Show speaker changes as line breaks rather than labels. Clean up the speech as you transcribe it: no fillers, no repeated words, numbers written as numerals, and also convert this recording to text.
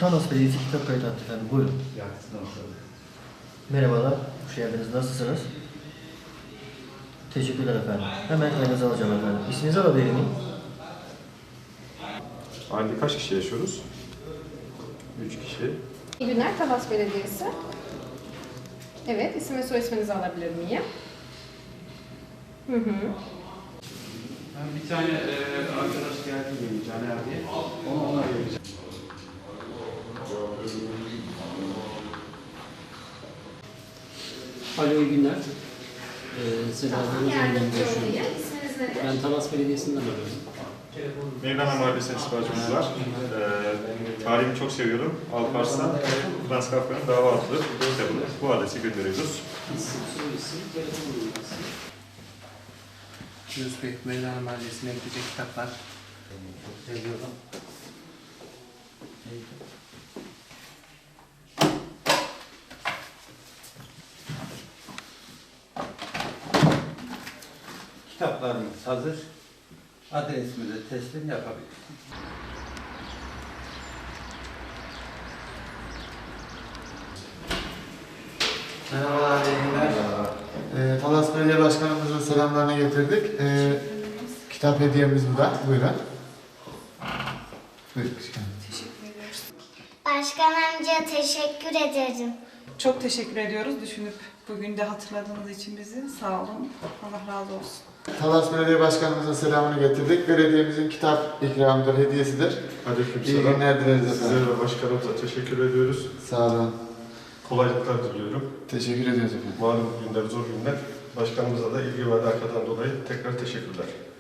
Talas Belediyesi kitap kayıt attı efendim. Buyurun. Merhabalar. Hoş geldiniz. Nasılsınız? Teşekkürler efendim. Hemen kayınızı alacağım efendim. İsminizi alabilir miyim?
Ailede kaç kişi yaşıyoruz? 3 kişi.
İyi günler, Talas Belediyesi. Evet, isim ve soy isminizi alabilir miyim?
Ben bir tane arkadaş geldi benim Caner diye. Ona vereceğim.
Alo, iyi günler. Seda Hanım'la görüşüyorum.
İsminiz nedir?
Ben Talas Belediyesi'nden arıyorum.
Mevlana Mahallesi'ne ispacımız var. Tarihimi çok seviyorum. Alparslan, Frans Kafka'nın Dava adlı kitabını bu adrese gönderiyoruz.
İsim, soy isim, telefon numarası.
Yunus Bey, Mevlana Mahallesi'ne gidecek kitaplar.
Kitaplarımız hazır. Adresimize teslim yapabiliriz.
Merhabalar, iyi günler. Talas Belediye Başkanımızın selamlarını getirdik. Kitap hediyemiz bu da. Buyurun. Buyurun.
Başkan amca teşekkür ederim.
Çok teşekkür ediyoruz düşünüp bugün de hatırladığınız için bizi. Sağ olun. Allah razı olsun.
Talas Belediye Başkanımızın selamını getirdik. Belediyemizin kitap ikramıdır, hediyesidir. İyi günler dileriz efendim.
Size ve başkanımıza teşekkür ediyoruz.
Sağ olun.
Kolaylıklar diliyorum.
Teşekkür ediyoruz efendim.
Malum günler, zor günler. Başkanımıza da ilgi ve alakadan dolayı tekrar teşekkürler.